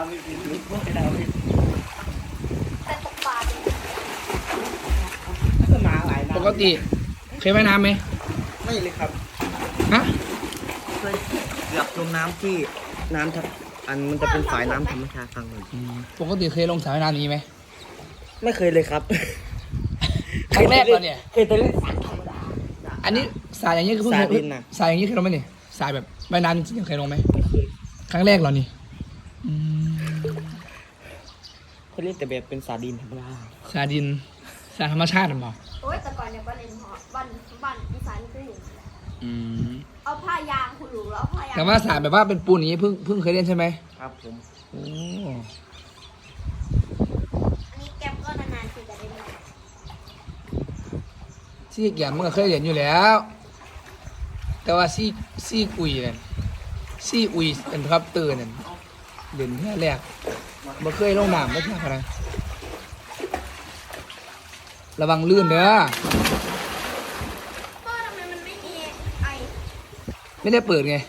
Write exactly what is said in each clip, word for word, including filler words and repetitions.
ไม่เป็นไม่ดาวไม่แต่ตกปลาดิก็มาหลายน้ำปกติเคยว่ายน้ำไหมไม่เลยครับฮะเคยเกือบจมน้ำที่น้ำทับอันมันจะเป็นสายน้ำธรรมชาติฟังหน่อยปกติเคยลงสระว่ายน้ำนี้ไหมไม่เคยเลยครับครั้งแรกเลยเนี่ยเคยแต่เล่นสระธรรมดาอันนี้สายอย่างนี้คือเพิ่งสายดินนะสายอย่างนี้เคยลงไหมเนี่ยสายแบบว่ายน้ำจริงๆเคยลงไหมครั้งแรกเหรอนี่เขาเล่นแต่แบบเป็นสาดินธรรมดาสายดินสายธรรมชาติหรือเปล่าโอ้ยแต่ก่อนเนี่ยบ้านเล่นหอบ้านบ้านอีสานคือหลุมอืมเอาผ้ายางคุณหลุมแล้วผ้ายางแต่ว่าสายแบบว่าเป็นปูนอย่างนี้เพิ่งเพิ่งเคยเล่นใช่ไหมครับผมโอ้อันนี้แก๊ปก็นานๆทีจะได้เล่นซี่แกมมันก็เคยเล่นอยู่แล้วแต่ว่าซี่ซี่อุยเนี่ยซี่อุยเป็นครับตื่นเนี่ยเด่นแค่แรกมาเคยลงน้ำไม่ใช่อะไรระวังลื่นเด้อพ่อทำไมมันไม่มีไอไม่ได้เปิดไง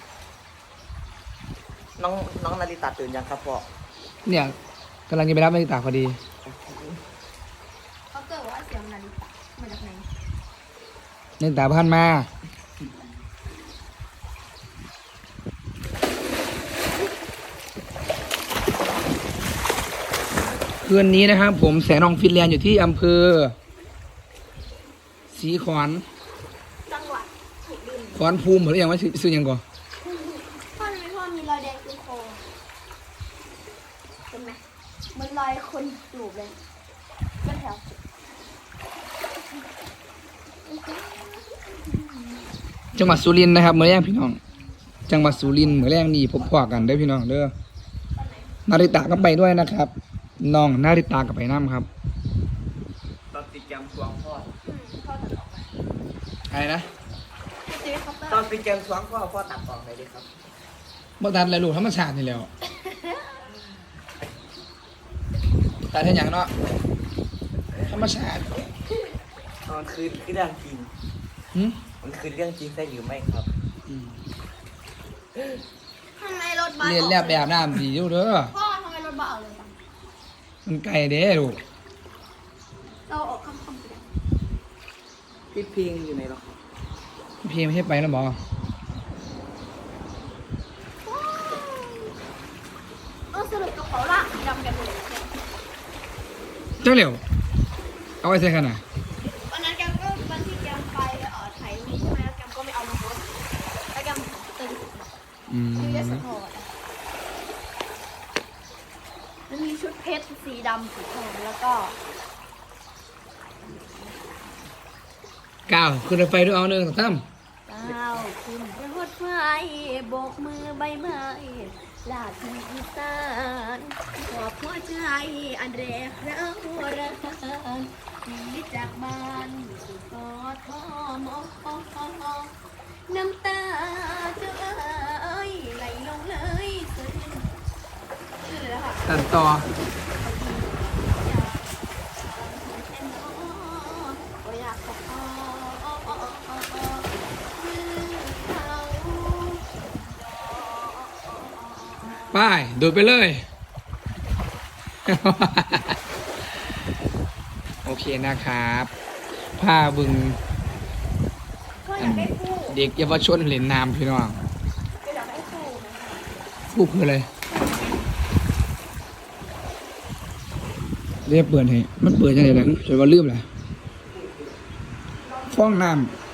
น้องน้องนาริตาตื่นยังครับพ่อเนี่ยกำลังจะไปรับนาฬิกาพอดีเขาเกิดว่าเสียงนาฬิกามาจากไหนนาฬิกาพันมาคืนนี้นะครับผมแสนองฟินแลนด์อยู่ที่อำเภอศรีขอนจังหวัดสุรินทร์ขอนภูมิหรือยังว่าซื้อยังก่อนพ่อทำไมพ่อมีรอยแดงตรงคอเห็นไหมมันรอยคนจูบเลยก็แถวจังหวัดสุรินทร์นะครับเมื่อแรงพี่น้องจังหวัดสุรินทร์เมื่อแรงนี่พบพอกันได้พี่น้องเด้อนาริตะก็ไปด้วยนะครับน้องนาริตากับไปน้ำครับตอนติดแกมสวงพ่อพ่อตัดออกไปอะไรนะตอนติดแกมสวงพ่อพ่อตัดออกเลยดิครับบ่ตัดอะไรลูกธรรมชาตินี่แล้วตัดให้อย่างเนาะธรรมชาติตอนคืนคือเรื่องจริงมันคือเรื่องจริงใช่หรือไม่ครับทำไมรถบัสเรียนแล้วแบบน้ำดีอยู่เด้อพ่อทำไมรถบัสออกเลยจังมันไกลเด้ลูกเราออกคำคำพี่เพียงอยู่ไหนหรอครับพี่เพียงไม่ใช่ไปแล้วบอเออสรุปกระเป๋าละดำกันเลยเจ้าเหลียวเอาไว้ใส่ขนาดวันนั้นแกก็วันที่แกไปเอ่อไทยนี่ใช่ไหมแล้วแกก็ไม่เอามาโพสแล้วแกตึงชื่อเยสโทมันมีชุดเพชรสีดำสีทองแล้วก็ก้าวขึ้นรถไฟด้วยเอาหนึ่งสามก้าวขึ้นรถไฟโบกมือใบไม้ลาที่อีสานขอบหัวใจอันแรกเรารักที่จากบ้านสู่กอทมน้ำตาจะเอ้ยไหลลงเลยซึ้งชื่อเลยแล้วค่ะตัดต่อไปดูไปเลยโอเคนะครับผ้าบึงเด็กเยาวชนเหรียญนามพี่น้องฟูคืออะไรเรียบเปิดให้มันเปิดยังไงล่ะช่วยว่าลืมแหละฟ้องน้ำ